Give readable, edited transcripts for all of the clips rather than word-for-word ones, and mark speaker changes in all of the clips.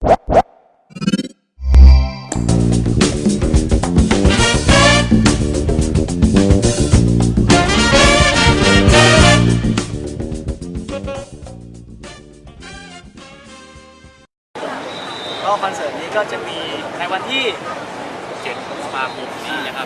Speaker 1: ก็คอนเสิร์ตนี้ก็จะมีในวันที่7 พฤษภาคมนี้นะครับ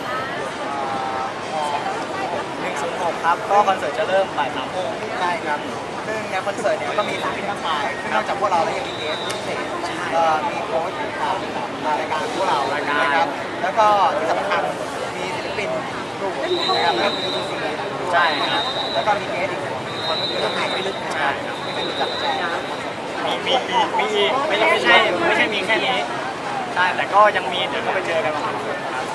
Speaker 1: 106ครับก็คอนเสิร์ตจะเริ่มบ่าย 3 โมง
Speaker 2: ใช่ครับซึ่งในคอนเสิร์ตเนี่ยก็มีศิลปินมากมายนอกจากพวกเราแล้วยังมีเกสพิเศษมีโค้ชรายการพวกเรานะครับแล้วก็ที่สำคัญมีศิลปินกลุ่มนะครับแล้วมีซีใช่ครับแล้วก็มีเกสอีกคนก็คือน้องไห่ไม่ลึกใช่ครับที่เป็นรู้จักแจ
Speaker 1: มีอีกไม่ใช่มีแค่นี้ใช่แต่ก็ยังมีเดี๋ยวก็ไปเจอกันวันคอนเสิร์ตครับ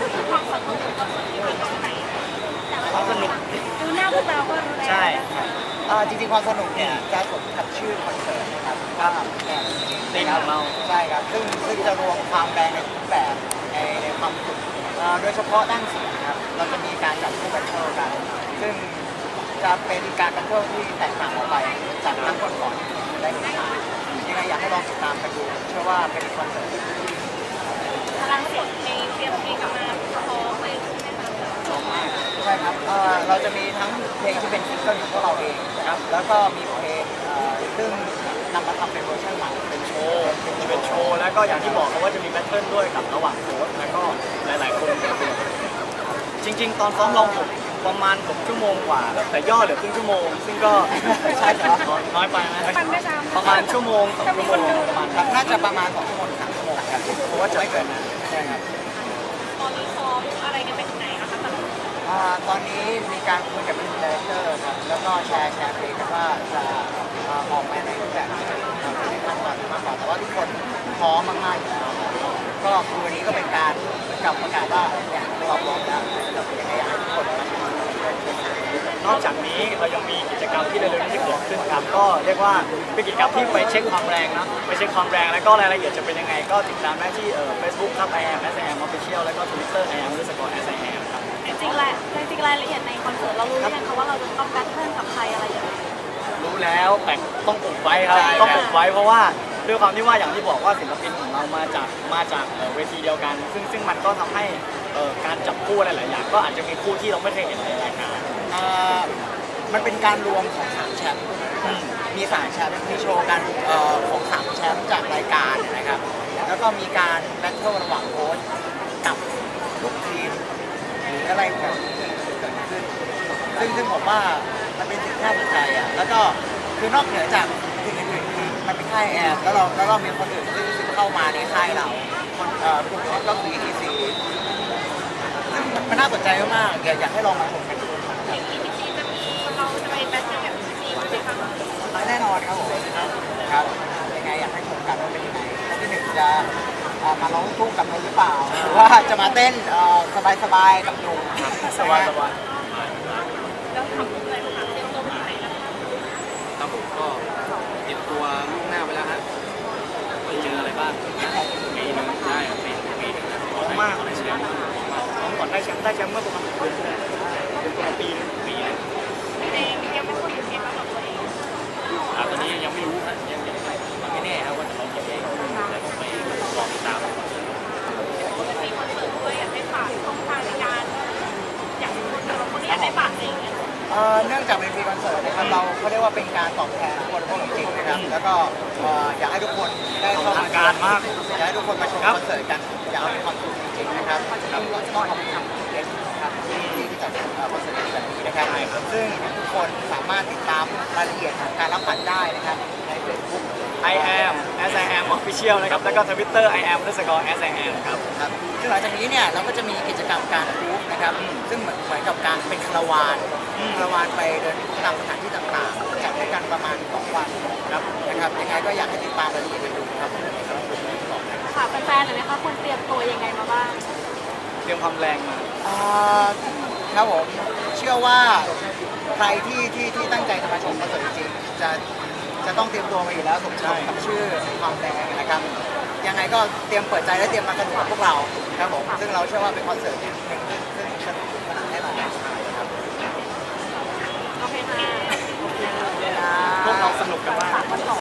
Speaker 1: ความสนุก
Speaker 3: ดูหน้าพวกเราก็รู้แล้ว
Speaker 1: ใช่
Speaker 2: จริงๆความสนุกเนี่ยจะสมกับชื่อคอนเสิร์ตนะครับก็
Speaker 1: ตีมของเรา
Speaker 2: ใช่ครับซึ่งจะรวมความแรงในทุกแบบในความสุขโดยเฉพาะด้านเสียงครับเราจะมีการจับคู่แบทเทิลกันซึ่งจะเป็นการแบทเทิลที่แตกต่างออกไปจากครั้งก่อนๆได้เห็นมายังไงอยากให้ลองติดตามกันดูเชื่อว่าเป็นคอนเสิร์ตที่
Speaker 3: พลังเสียงเพลงเตรียมเพลงกลับมาพร้อมเลยใช่ไหมคะ
Speaker 2: ชอบมากใช่ครับเราจะมีทั้งเพลงที่เป็นซิงเกิลของพวกเราเองนะครับแล้วก็มีเพลงซึ่งนำมาทำเป็นเวอร์ชันใหม่เป็นโชว์
Speaker 1: แล้วก็อย่างที่บอกเขาว่าจะมีแบทเทิลด้วยกับระหว่างโค้ชแล้วก็หลายๆคนจริงๆตอนซ้อมลองผมประมาณ6 ชั่วโมงกว่าแต่ย่อเหลือครึ่งชั่วโมงซึ่งก็ใช่ครับน้อยไปนะประมาณชั่วโมง2 ชั่วโมงประมาณ
Speaker 2: น่าจะประมาณ2 ชั่วโมง 3 ชั่วโมงครับเพราะว่าจะไม่เกินนะใช่ครับ
Speaker 3: ตอนนี้ซ้อมอะไรกันไปถึงไหนคะ
Speaker 2: ตอนนี้มีการคุยกับเป็นดีเรคเตอร์ครับแล้วก็แชร์เพลงกันว่าจะออกมาในรูปแบบไหนในขั้นตอนมากกว่าแต่ว่าทุกคนพร้อมมากๆอยู่แล้วก็คือวันนี้ก็เป็นการกับประกาศว่าอย่างเราพร้อมแล้วเรายังไงอยากให้ทุกคน
Speaker 1: นอกจากนี้เรายังมีกิจกรรมที่เร็วๆนี้จะเกิดขึ้นครับก็เรียกว่าเป็นกิจกรรมที่ไปเช็คความแรงนะไปเช็คความแรงแล้วก็รายละเอียดจะเป็นยังไงก็ติดตามได้ที่Facebook ครับ IAM SIAM Official แล้วก็ Twitter IAM_SIAM ครับ
Speaker 3: จริงๆรายละเอียดในคอนเสิร์ตเรารู้ยังคะว่าเราจะต้องแบทเทิลกับใครอะไรอย่างไร
Speaker 1: รู้แล้วแต่ต้องอุบไว้ครับต้องอุบไว้เพราะว่าด้วยความที่ว่าอย่างที่บอกว่าศิลปินของเรามาจากเวทีเดียวกันซึ่งมันก็ทำให้การจับคู่หลายๆอย่างก็อาจจะมีคู่ที่เราไม่เคยเห็นในรายการ
Speaker 2: มันเป็นการรวมของ3 แชมป์มี3 แชมป์มีโชว์กันของ3 แชมป์จากรายการนะครับแล้วก็มีการแบทเทิลระหว่างโค้ชกับลูกทีมหรืออะไรแบบเกิดขึ้นซึ่งผมว่ามันเป็นสิ่งที่น่าสนใจอ่ะแล้วก็คือนอกเหนือจากสิ่งอื่นๆคือมันเป็นค่ายแอร์แล้วเรามีคนอื่นซึ่งเข้ามาในค่ายเราคนกลุ่มนี้ก็คือ ETC ซึ่งมันน่าสนใจมากๆอยากให้ลองมาชมกันดู
Speaker 3: เราจะไปแบทเทิลกับทีมไหมคะ
Speaker 2: แน่นอนครับผมครับยังไงอยากให้ชมกันว่าเป็นยังไงแล้วที่1จะมาร้องทุ่งกับนนหรือเปล่าหรือว่าจะมาเต้นสบายๆกับหนุ่ม
Speaker 1: สบาย
Speaker 3: แล้วทำอะไรบ้างเตรียมตัวไปไหนนะคะ
Speaker 1: ครับผมก็เตรียมตัวล่วงหน้าไปแล้วฮะไปเจออะไรบ้างปีนึงได้ปีนึงมากเลยแชมป์ก่อนได้แชมป์เมื่อประมาณเดือนที่แล้วปีนึง
Speaker 3: เองยังไม่พูดถึงเกมแล้วหรอตัวเอง
Speaker 1: ตอนนี้ยังไม่รู้นะยังไม่แน่ครับว่าจะเราจะได้แต่ต้องไปลองติดตาม
Speaker 3: มีคอนเสิร์ตด้วยอยากให้ฝากช่องทางในการอยากคนนี้อยากให้ฝากเอง
Speaker 2: เนื่องจากเป็นฟรีคอนเสิร์ตนะครับเราเขาเรียกว่าเป็นการตอบแทนคนพวกจริงๆนะครับแล้วก็อยากให้ทุกคนได้เข้ามา
Speaker 1: การมาก
Speaker 2: อยากให้ทุกคนมาชมคอนเสิร์ตกันอยากให้ความสุขจริงๆนะครับต้องขอบคุณเอสครับที่จัดคอนเสิร์ตแบบนี้นะครับซึ่งทุกคนสามารถติดตามรายละเอียดของการรับบัตรได้นะครับใน Facebook
Speaker 1: IAM SIAM Official นะครับแล้วก็ Twitter IAM_SIAM ครับ
Speaker 2: ซึ่งหลังจากนี้เนี่ยเราก็จะมีกิจกรรมการทูฟนะครับซึ่งเหมือนกับการเป็นคาราวานไปเดินตามสถานที่ต่างๆจัดด้วยกันประมาณ2 วันครับนะครับยังไงก็อยากให้ติดตามรายละเอียดกันดูครับ
Speaker 3: ค่ะแฟนๆหน่อยนะคะควรเตรียมตัวยังไงมาบ้าง
Speaker 1: เตรียมความแรงมา
Speaker 2: ครับผมเชื่อว่าใครที่ตั้งใจจะมาชมคอนเสิร์ตจริงๆจะต้องเตรียมตัวมาอยู่แล้วสมกับชื่อความแรงนะครับยังไงก็เตรียมเปิดใจและเตรียมมาสนุกกับพวกเราครับผมซึ่งเราเชื่อว่าเป็นคอนเสิร์ตที่ซึ่งสนุกแน่นอนครับ
Speaker 3: โอเคค่ะ
Speaker 1: พวกเราสนุกกันมาก